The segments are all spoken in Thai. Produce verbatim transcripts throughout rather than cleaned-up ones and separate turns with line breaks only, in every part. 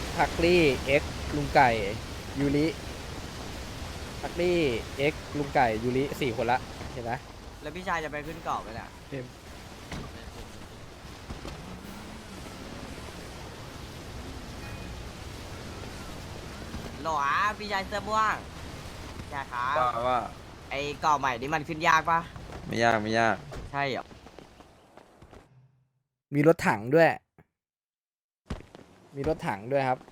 ทักลี่เอ็กลุงไก่ยูริทักลี่เอ็กลุงไก่ยูริสี่คนละเห็นไหม
แล้วพี่ชายจะไปขึ้นเกาะไหมเนี่ยหรอพี่ชายเสื้อม่วงใช่ครับ
ว่าว่า
ไอ้เกาะใหม่นี่มันขึ้นยากปะ
ไม่ยากไม่ยาก
ใช่เหรอ
มีรถถังด้วย มีรถถังด้วยครับ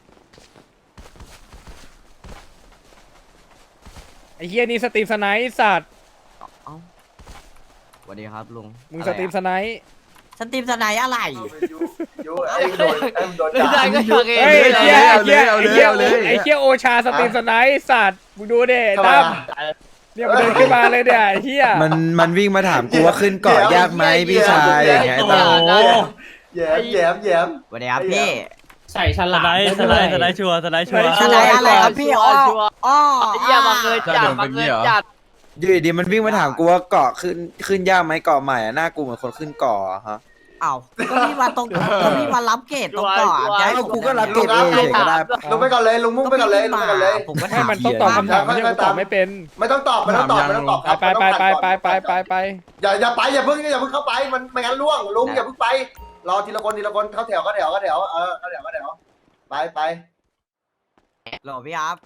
ไอ้เฮียนี่สตรีมสไนป์สัตว์
เอ้าสวัสดีครับลุง
มึงสตรีมสไนป์
สตรีมสไนด์อะไร
ยูยูไอ้โดนไอ้โดน
ไม่ได้ก็อยากเอง
เฮ้ยไอ้เฮียไอ้เฮีย
เอา
ไอ้
เลย
เฮีย
เอาเลย
ไอ้เฮียโอชาสตรีมสไนป์สัตว์มึงดูดิ
ทำไม
ตั้ม
อ่ะ
เนี่ยมันเดินขึ้นมาเลยเนี่ยไอ้เฮีย
มันมันวิ่งมาถามกูว่าขึ้นเกาะยากไหมพี่ชายอย่างเงี้ย
โอ้
ตา
โห
แย้มแย้มแย้ม
สวัสดีครับพี่
ใส่ฉลามสไลด์สไลด์ชัวร์สไลด์ชัวร์
สไนด์อะไรครับพี่อ้ออ้อ
เยี่ยมาเกินจัดมาเกินจัด
อยู่ดีๆมันวิ่งมาถามกูว่าเกาะขึ้นขึ้นยากไหมเกาะใหม่อะหน้ากูเหมือนคนขึ้นเกาะอะฮะ
เอ้าก็พี่มาตรงก็พี่มารับเกตตรงเกาะจะให้
เอ้า
ผม
กูก็รับเก็บเองเฉยก็ได้
ลงไปก่อนเลยลุงมุ่งไปก่อนเลยลงไปก่อนเลย
ผมก็
ให้
ถาม
มันต้องตอบคำถามไม่ใช่กูตอบไม่เป็น
ไม่ต้องตอบไม่ต้องตอบไม่ต้องตอบครับ
ไปไปไปไปไปไปไป
อย่าอย่าไปอย่าเพิ่งอย่าเพิ่งเข้าไปมันไม่งั้นล่วงลุงอย่าเพิ่งไปรอทีละคนทีละคนเข้าแถวเข้าแถวเข้าแถวเออเข้าแถวเข้าแถวไปไป
หรอพี่ครับ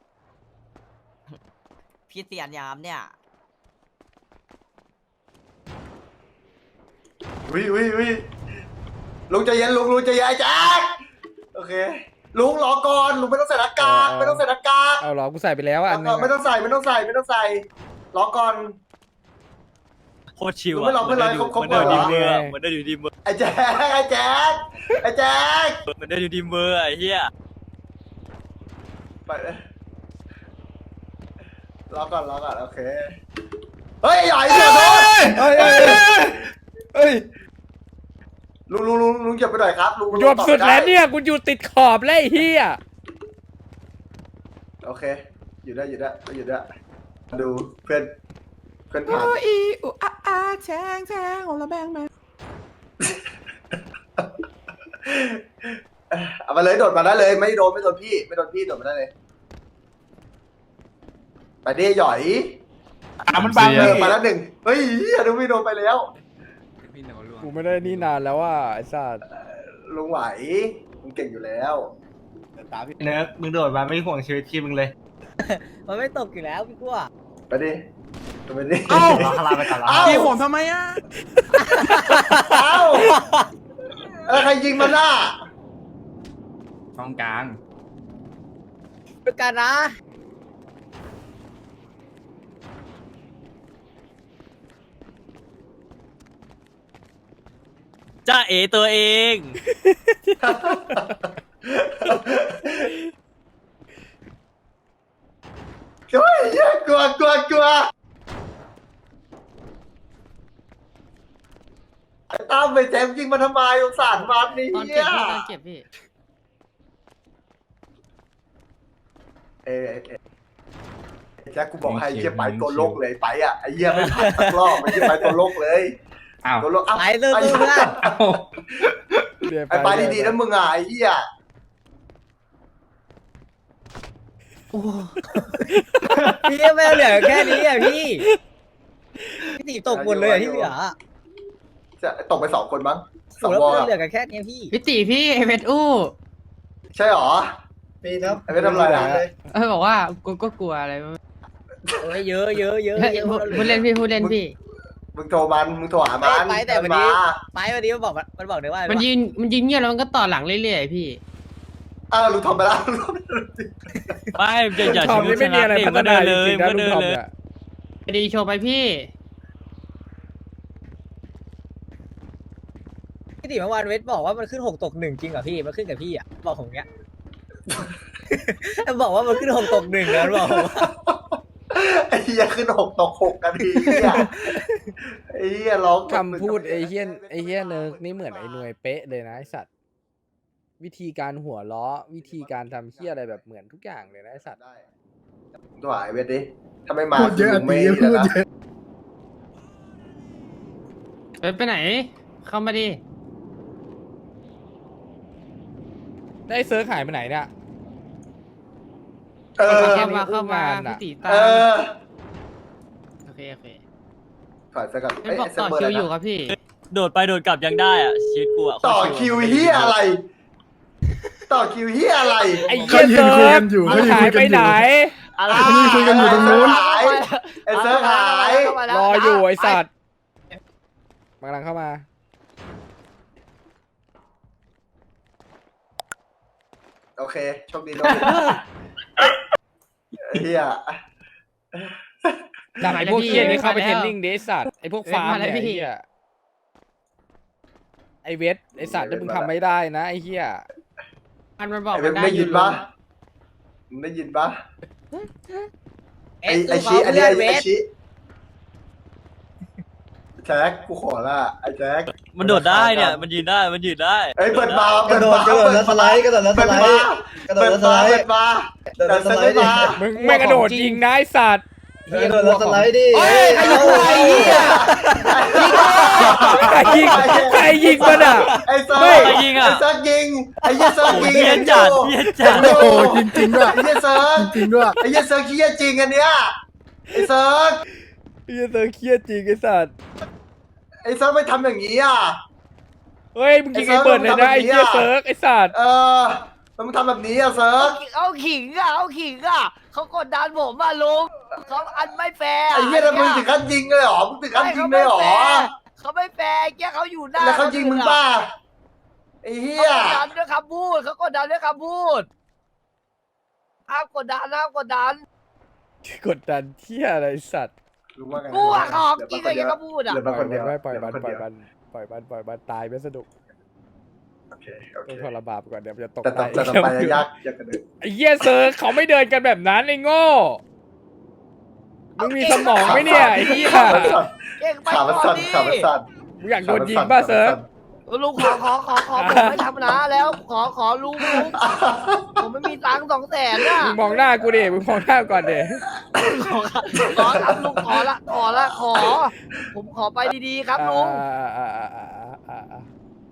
พี่เตียนยามเนี่ย
วิวิวิลุงใจเย็นลุงลุงใจเย็นแจ๊คโอเคลุงรอก่อนลุงไม่ต้องใส่หน้ากากไม่ต้องใส่หน้ากาก
เอาเหรอกูใส่ไปแล้วอ่ะอันนึง
ไม่ต้องใส่ไม่ต้องใส่ไม่ต้องใส่รอก่อน
โคตรชิว
ไม่
อ่ะ
รอไม่รอเขาเขา
มันเดิน
เปิ
ดี
ดเหรอ
เมอร์มันเดินอยู่ดีเมอร์
ไอ้แจ๊คไอ้แจ๊คไอ้แจ๊ค
มันเดินอยู่ดีเมอร์ไอ้เหี้ย
ไปเลยรอก่อนรอก่อนโอเคเฮ้ยใหญ่เสียโทษ
เฮ้ยเฮ้ยเฮ้ย
ลุงลุงลุงลุงเหยียบไปหน่อยครับลุง
กูยอมสุดแล้วเนี่ยกูอยู่ติดขอบแล้วไอ้เฮีย
โอเคอยู่ได้อยู่ได้อยู่ได้ดูเพื่อนเพื่อนผ่าน
อีอูอาอาแทงแทงของเราแบงแมน
เอามาเลยโดดมาได้เลยไม่โดนไม่โดนพี่ไม่โดนพี่โดดมาได้เลยไปดิหย่อยมันบังเลยมาแล้วหนึ่งเฮ้ยอนุพี่โดนไปแล้ว
กูไม่ได้นี่นานแล้วว่าไอ้สัส
ลุงไหวลุงเก่งอยู่แล้ว
เนิร์กมึงโดดมาไม่ห่วงชีวิตทีมมึงเลย
มันไม่ตกอยู่แล้วพี่กั้ว
ไปดิไปดิ
เอ้าคาราไปก่อนละ
เอ้า
พี่ผมทำไมอ่ะ
เอ้าแล้วใครยิงมันน่ะ
ตรงกลาง
ด้วยกันนะ
จ้าเอตัวเอง
เฮ้ยกลัวกลัวกลัวไอ้ตั้มไปแจมยิงมันทำไมสงสารมันนี่
ตอนเก็บพี่ตอนเก็บพี่
เอ้ยเอ้ยแจ็คกูบอกให้ไอ้เหี้ยไปตัวโลกเลยไปอ่ะไอ้เหี้ยไม่ผ่านสักรอบไอ้เหี้ยไปตัวโลกเลย
อ้าว
ตัวโลกเอ้า
ไปเรื่อย
ไอ้
ๆ
เหี้ย
เดี๋ยว
ไอ้ไปดีๆนะมึงอ่ะไอ้เหี้ย
พี่ไม่เหลือแค่นี้อ่ะพี่พี่ตีตกหมดเลยอ่ะที่เหลือ
จะตกไปสองคนมั้งส
โอ้
อง
แล้ว
วอ
มัน
ล
เหลือกันแค่นี้พี่
พี่ติพี่เอเวอู้
ใช่หรอ
ปีครับ
ไอ้ไม่ทำอะไรอ่ะ
เออบอกว่ากูก็กลัวอะไรไม่รู้
โอ้ยเยอะเยอะเยอะ
เฮ้ย
เยอะ
พูดเล่นพี่พูดเล่นพี่
มึงโทรมันมึงโทรหามัน
ไปแต่วัน
มา
นี้ไปวันนี้มันบอกมันบอกเลยว่า
มันยืนมันยืนเงียบแล้วมันก็ต่อหลังเรื่อยๆพี่
เออลุงทอมไปแล้วลุงทอม
ไม่อย่าอย่า
ทอ
ชิ
ม
ว
นี่
ช
ไม่มี
นะ
อะไร
เด็
พัฒ
ก็
นา
เดิน
จ
เลย
ริงๆนะ
ก็
ลุง
เดิน
ทอม
เลย
เนี่ย
ไปดีโชว์ไปพี่
พี่ตีเมื่อวานเวทบอกว่ามันขึ้นหกตกหนึ่งจริงเหรอพี่มันขึ้นกับพี่อ่ะบอกผมเงี้ย บอกว่ามันขึ้นหกตกหนึ่งนะบอกผม
ไอ้เหี้ยขึ้นหกตกหกกันทีเหี้ยไอ้เหี้ยร้อง
คำพูดไอ้เฮียนไอ้เฮียเนิร์กนี่เหมือนไอ้หน่วยเป๊ะเลยนะไอ้สัตว์วิธีการหัวล้อวิธีการทำเฮียอะไรแบบเหมือนทุกอย่างเลยนะไอ้สัตว์
ได้ตัวไอ้เวทดิถ้าไม่มา
พูดเยอะ
กูไม่
ตี
นี่
พู
แล้ว
ด
นะ
เยอะ
ไปไปไหน เข้ามาดิ
ได้ไอ้เซิร์ฟหายไปไหนเนี่ย
เออ
เข้ามาเข้ามา
อุ้มงานอะ
พี่ตีตา
เอ
ม
อ
โอเคโอเค
ถอยไปก่อน
เป็นบอกต่อคิวอยู่ครับพี่
โดดไปโดดกลับยังได้อ่ะชีวิตกูอ่ะ
ต่อคิวเฮียอะไร ต่อคิวเฮียอะไร
ไอ้เหี้ยเซิร์ฟมันหายไปไหน
อะไร
นี่คุยกันอยู่ตรงนู้นไอ้เซิร์ฟหาย
รออยู่ไอ้สัตว์มันกำลังเข้ามา
โอเคโชคดีโชคดีเฮีย
ดักไอ้พวก
มาแล้ว
เหี้ยนี่เข้าไป
มา
เท
แล้
ร
วน
นิ่งเดสัตว์ไอ้พวกฟาร์ม
มาแล้
เนี่
วย พี่
ไอ้เหี้ยไอ้เวทไอ้สัตว์ถ้ามึงทำไม่ได้นะไอ้เหี้ย
มันมันบอก
ไอ้เว็
มั
บ
นได้
ได้
อ
ยิ
ยู่
นปะมึงได้ยินปะไอ้ไอ้ชี้อันนี้ไอ้ไอ้ชี้แจ็คกูขอละไอ้แจ็ค
มันโดดได้เนี่ยมันยืนได้มันยืนได้
เอ้ยเปิดบาร์
กระโดดกระโดดแล้วสไลด์กระโดดแล้วส
เปิด
ไล
บา
ด์
ร์
กระโด
เปิ
ด
ด
แล้วส
บา
ไล
ร์
ด์
เปิดบาร์
กระโดดแล้วสไลด์ดิ
มึงไม่กระโดดยิงนะไอ้สัตว์
กระโดดแล้วสไลด์ดิ
เฮ้ยใครยิงใครเหี้ยใครยิงใครยิงมันอ่ะ
ไอ้เซิร์
ไม่
ฟไอ้เซิร์ฟยิงไอ้เหี้ยเซิร์ฟ
โอ้
ยิง
เหี้ยจัดเหี้ยจัด
โอ้โหจริงจริงด้วยไอ้เหี้ยเซิร์ฟจริงด้วยไอ้เหี้ยเซิร์ฟเหี้ยจริงอันเนี้ยไอ้เซิร์ฟ
ไอ้เหี้ยเซิร์ฟเครียดจริงไอ้สัตว์
ไอ้เซิร์ฟไม่ทำอย่างนี้อ่ะ
เฮ้ยมึงยิงไอ้เบิร์ดเลยนะไอ้เหี้ยเซิร์ฟไอ้สัตว์
เออมันทำแบบนี้อ่ะเซิร์ฟ
เอาขิงอ่ะเอาขิงอ่ะเขากดดันผมมาลุงเขาอันไม่แฟร์
ไอ้เหี้ยแล้วมึงถึงขั้นยิงเลยเหรอมึงถึงขั้นยิงเลยเหรอ
เขาไม่แฟร์แกเขาอยู่หน้า
แล้วเขายิงมึงป่ะไอ้เหี้
เขา
ย
กดดันด้วยคำพูดเขากดดันด้วยคำพูดห้ามกดดันห้ามกดดัน
กดดันเที่ยอะไรไอ้สัตว์
รู้ว่าไง
กูอะของจริงเลยแกก็พูดอ่ะ
เหลือ
ปล่
มา
อย
คนเดียว
มันไว้ปล่อยมัน
เห
ปล่อย
ค
มันปล่อยมันปล่อยมันตายไม่สนุก
โอเคโอเค
ต้องทรบาปก่อนเดี๋ยวมันจะตก
แต่ต่อแต่ต่อไปยากยากกันเลย
ไอ้เหี้ยเซิร์ฟเขาไม่เดินกันแบบนั้นไอ้โง่มึงมีสมองไหมเนี่ยไอ้เหี้ย
เก่งไป
ขามัน
ก่อ
สั่
น
น
ดิ
ขามันสั่น
มึงอยากโดนยิงป่ะเซิร์ฟ
ลุงขอขอขอขอผมไม่ทำนะแล้ว ขอขอลุงลุงผมไม่มีตังค์สองแสนน่ะ
มึงมองหน้ากูดิมึงมองหน้าก่อนดิ
ขอขอครับลุงขอละขอละขอ ผมขอไปดีๆครับลุง
อ่าอ่าอ่าอ่าอ่าอ่า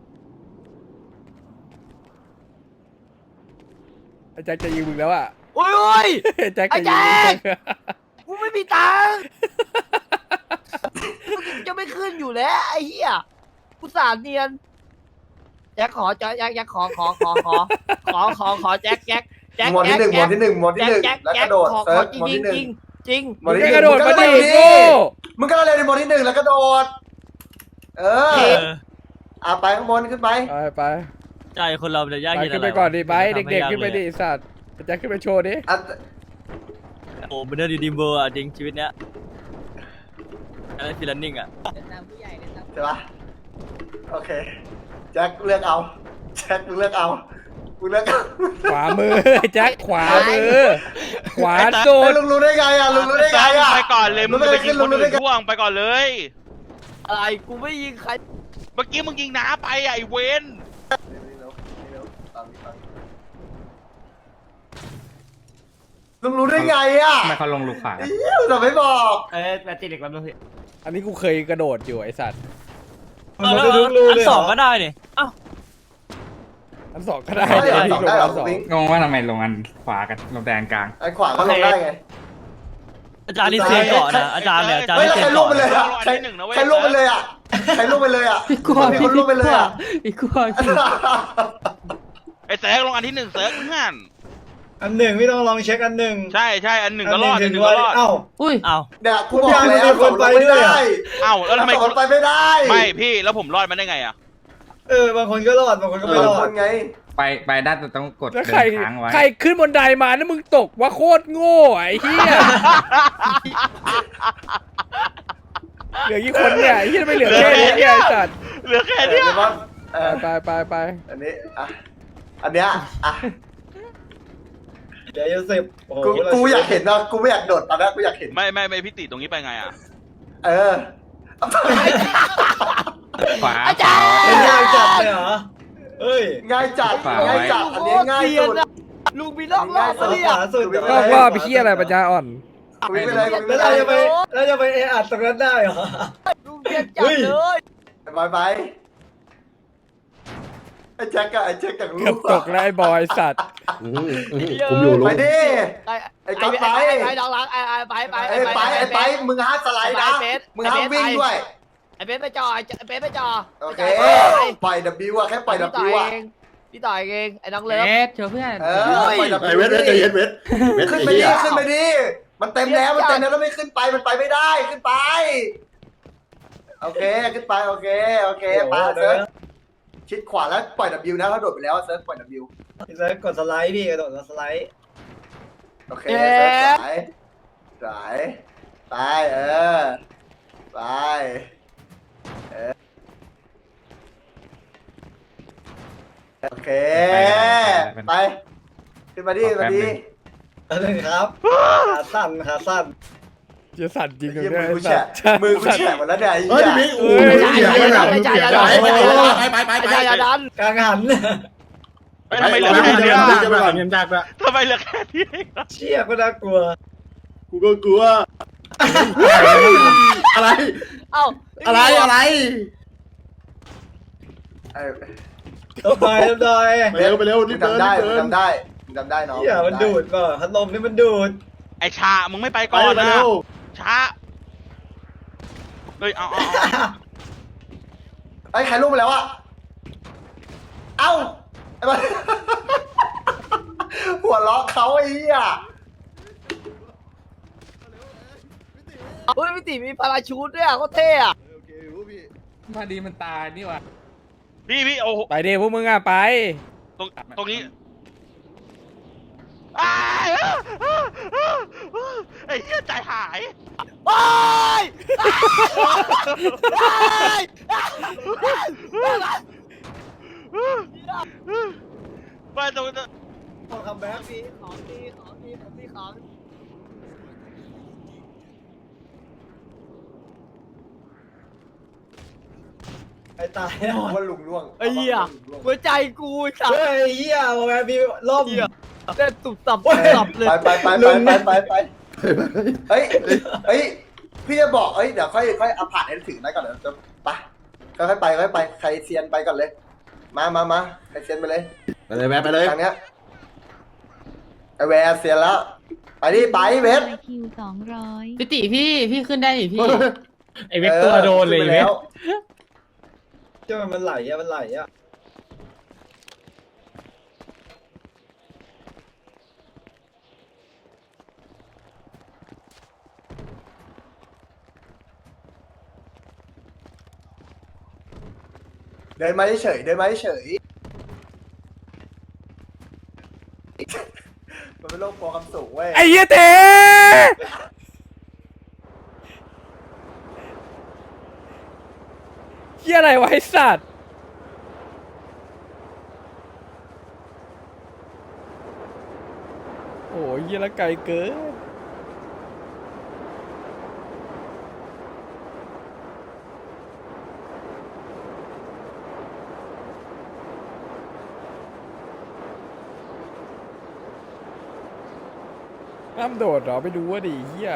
ไอ้แจ็คจะยิงมึงแล้วอ่ะ
โอ้ยโอ้ย
ไอ้แจ็ค
ไอ้
จะ
แจ็
ยิง
ค กูไม่มีตังค์จะไม่ขึ้นอยู่แล้วไอ้เหี้ยกูสารเนียนแจ็คขอแจ็คแจ็คแจ็คขอขอขอขอขอขอขอแจ็คแจ็คแจ็ค
หมวดที่หนึ่งหมวดที่หนึ่งหมวดที่
แจ็
ห
ค
นึ่ง
แจ็ค
แล้ว
แจ็
ก
ค
ระโดด
ขอข
เซิ
อ
ร์ฟ
จ
หมวด
ริง
ที่หนึ่ง
จริงจริง
หมวด
มึง
ที่
ก็
หนึ่
กระโดดมาดิ
มึง
โง่
มึงก็เล่นในหมวดที่หนึ่งแล้วกระโดด เออ
เออ
อ่ะไปข้างบนขึ้นไป
ไปไป
ใจคนเรามันจะยาก
ไป
เย็น
ขึ้
อะ
น
ไร
ไปก่อนดิไป
วะ
เด็กๆขึ้นไปดิไอ้สัตว์ไอ้แจ็คขึ้นไปโชว์ดิ
อ่ะ
โอ้เป็นเรื่องดีดีเบอร์อ่ะจริงชีวิตเนี้ยอะไรฟิลันนิ่งอ่ะ
ใช่ปะโอเค แจ็คเลือกเอา แจ็คมึงเลือกเอากูเลือกเอา
ขวามือไอ้แจ็คขวามือ ขวาสุ
เฮ้ย
ด
ลุงรู้ได้ไงอ่ะลุงรู้ได้ไงอ่ะ
ไปก่อนเลยมึงจะไปยิงคนอื่นพ่วงไปก่อนเลย
อะไรกูไม่ยิงใคร
เมื่อกี้มึงยิงน้าไปอ่ะไอ้เวน
ลุงรู้ได้ไงอ่ะ
ทำไมเขาลงลูกขวา
เอี้ยวแต่ไม่บอก
เอ้ยแบตติเด็กแล้วพี่
อันนี้กูเคยกระโดดอยู่ไอ้สัตว์
เออแล้วอันสองก็ได้นี่อ้าว
อันสองก็ได้
ได้เหรอ
เดี๋ยว
สองได้เหรอ
อันสอง
วิ่ง
งงว่าทำไมลงอันขวากันลงแดนกลาง
ไอ้ขวาก็ลงได้ไง
อาจารย์นี่เซียนเกาะนะอาจารย์เนี่ยอาจารย์
เฮ้ย
นี่
แล้ว
เซีย
ใคร
น
ล่วง
เกาะ
ไปเลยอ่ะใครใครล่วงไปเลยอ่ะใครล่วงไปเลยอ่ะ
พี่กลัว
มี
พี่
คนล่วงไปเลยอ่ะ
พี่กลัวพี่
ไอ้เซิร์กลงอันที่หนึ่งเซิร์กเพื่อน
อันหนึ่งพี่ต้องลองเช็คอันหนึ่ง
ใช่ใช่อันหนึ่งก็รอดอันหนึ่ง
ว่า
ก็รอด
เอ้า
อุ้ย
อ้าว
เนี่ยกูบอกแล้ว
มีคนไปด้วยอะ
เอ้าแล้วทำไม
สองคนไปไม่ได้
ไม่พี่แล้วผมรอดมาได้ไงอ่ะ
เออบางคนก็รอดบางคนก็ไม่
บาง
รอ
ค
ด
นไง
ไปไปได้แต่ต้องกด
แล้ว
เดิ
ใคร
นค้างไว้
ใครขึ้นบนไดมาแล้วมึงตกว่าโคตรโง่ไอ้เหี้ยเหลือกี่คนเนี่ยไอ้เหี้ยไม่เหลือแค่นี้เนี่ยไอ้สัตว์
เหลือแค่
เออ
เนี้ย
เดี๋ยวว่าเออ
ไปไปไป
อันนี้อ่ะอันเนี้ยอ่ะ
เดี๋ยวจะสิบโอ้โห
กูกูอยากเห็นนะกูไม่อยากโดดตอนนั้นกูอยากเห็น
ไม่ไม่ไม่พี่ติตรงนี้ไปไงอ่ะ
เออ
ขวา
อาจารย์
เป็นยากจัดเลยเหรอเอ้ย
ง่ายจัด
ฝากไว้
ง่ายจัดอันนี้ง่ายสุด
ลุงมีรอบรอบ
ขวา
ปะเนี่ย
ขวาสุด
ไม่
นอกว่าไปเหี้ยอะไรปัญญาอ่อน
วิ่งไปเลยวิ่งไป
แล้ว
เล
เรา
ย
จะไปเราจะไปเออัดตรงนั้นได้เหรอ
ลุงเรียนจัดเลย
ไปไปไอ้แจ็คกับไอ้แจ็คกับลู
เกือบ
ก
ตกแล้วไอ้บอยสัตว์
ผมอยู่ลุงไปดิ
ไอ้
ไอ้ก๊อฟไป
ไอ้ไอ้น้องรักไอ้ไอ้ไปไป
ไอ้ไปไอ้ไปมึงห้ามสไลด์นะมึงห้ามวิ่งด้วย
ไอ้เบสไปจอไอ้เบสไปจอ
โอเคปล่อยดับบิวอะแค่ปล่อยดับบิวอะ
พี่ต่อยเองไอ้น้องเลิฟ
เอสเชียวเพื่อน
เออปล่อยดับบิว
ไอ้เวทเวทใจเย็นเวทเวท
ขึ้นไปดิขึ้นไปดิมันเต็มแล้วมันเต็มแล้วแล้วไม่ขึ้นไปมันไปไม่ได้ขึ้นไปโอเคขึ้นไปโอเคโอเคไปเซิร์ฟชิดขวาแล้วปล่อยดับบิวนะเขาโดดไปแล้วเซิร์ฟปล่อยดับบิว
พี่เซิร์ฟกดสไลด์พี่กระโดดสไลด์
โอเคเซิร์ฟสายสายไปเออไปเออโอเคไปขึ้นมาดิมาดิ
อันนึงครับขาสั้นขาสั้น
จะสั่นจริงเล
เยี่
ย
ย
เนี่
มื
ย
อ
ไอ้
กู
สั
แฉะ
ตว์
มือกูแฉะหมดแล้วเนี่ยไอ้
เฮ้ย
เหี้ย
พี่โอ้ย
ไม่ใช่ไม่ใช่ไม่ใช่
ไปไปไปไป
ไม่ใช่อย่าดัน
กลางหัน
เฮ้ยทำไมเหลือแค่นี้วะ
จะไปก่อน
เงินจากละ
ทำไมเหลือแค่นี้วะ
เชี่ยก็น่ากลัว
กูก็กลัวอะไร
เอ้า
อะไรอะไร
ไอ้
ตบหน่อยตบหน่อย
ไปเร็วไปเร็ว
มึ
รี
ง
บเดิน
ทำได้
รีบ
มึ
เดิ
ง
น
ทำได้มึงทำได้น้อง
เชี่ยมันดูดป่ะพัดลมนี่มันดูด
ไอชา มึงไม่ไป
ไป
ก่อน
ไป
นะ
เร็ว
ช้า เฮ้ย เอาเอาเอา
ไอ้ใครรู้มาแล้วอะเอ้าไอ้บ้า หัวเราะเขาไอ้เหี้ย
เฮ้ยพี่ติมีพาราชูทด้วยอ่ะก็เท่อะ
โอเครู้พี่
พอดีมันตายนี่ว่ะ
พี่พี่โอ้โห
ไปเดี๋ยวพวกมึงอ่ะไป
ตรงตรงนี้อ้ายอ้าอ้าอ้าไอ้เหี้ยใจหาย
โอ้ย
ไปตรงนั้น
พอคัมแบ็ก
มีของดีของดีผมมีของ
ไอ้ตาย
ผมว่าลุงล่วง
ไอ้เหี้ยหัวใจกูสับ
เฮ้ยเหี้ยโอ้ยพี่ล่ม
เต้นตุบตับตุบตับเลย
ไปไปไปไปไปไปไปเฮ้ยเฮ้ยพี่จะบอกเฮ้ยเดี๋ยวค่อยค่อยเอาผ่านให้ถึงได้ก่อนเดี๋ยวจะไปค่อยๆไปค่อยๆไปใครเซียนไปก่อนเลย มามามาใครเซียนไปเลย
ไปเลยแม่ไปเลย
ทางเนี้ยไอแวร์เซียนแล้วไปดิไปเวส
คิวสองร้อย
พี่ติพี่พี่ขึ้นได้ดิพี่
ไอ้เวกตัวโดนเลย
ขึ้
เว
ไป
ก
แล้ว
เจ้ามันไหลอะมันไหลอะ
เดินมาเฉยเดินมาเฉยมันเป็นโรคกลัวความสูงเว้ย
ไอ้เหี้ยเต๋เหี้ยอะไรวะไอ้สัตว์โอ้ยเหี้ยละไกลเกินน้ำโดดเหรอไปดูว่าดิเหี้ย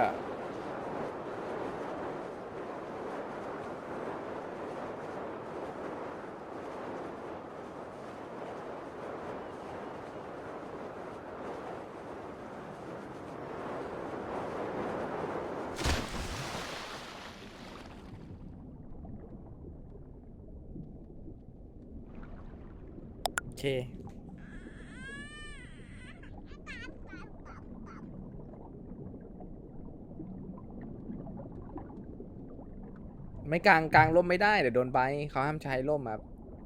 โอเคไม่กลางกลางร่มไม่ได้เดี๋ยวโดนใบเขาห้ามใช้ร่มครับ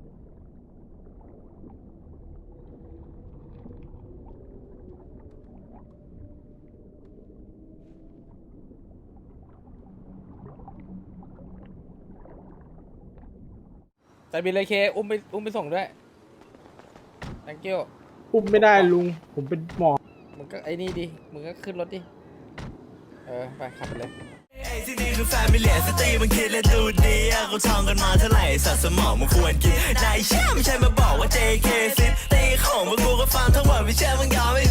แต่บินเลยเคอุ้มไปอุ้มไปส่งด้วย thank you
อุ้มไม่ได้ลุง ผมเป็นหมอ
มึงก็ไอ้นี่ดิ มึงก็ขึ้นรถดิ เออ ไปขับไปเลย
ที่นี่คือแฟมิเลียสตรีมันคิดและดูดีเขาท่องกันมาเท่าไหร่สัตว์สมองมันควรกินนายเชื่อไม่ใช่มาบอกว่า เจ เค ซิตี้ของพวกกูก็ฟังทั้งหมดไม่เชื่อมึงยอมไม่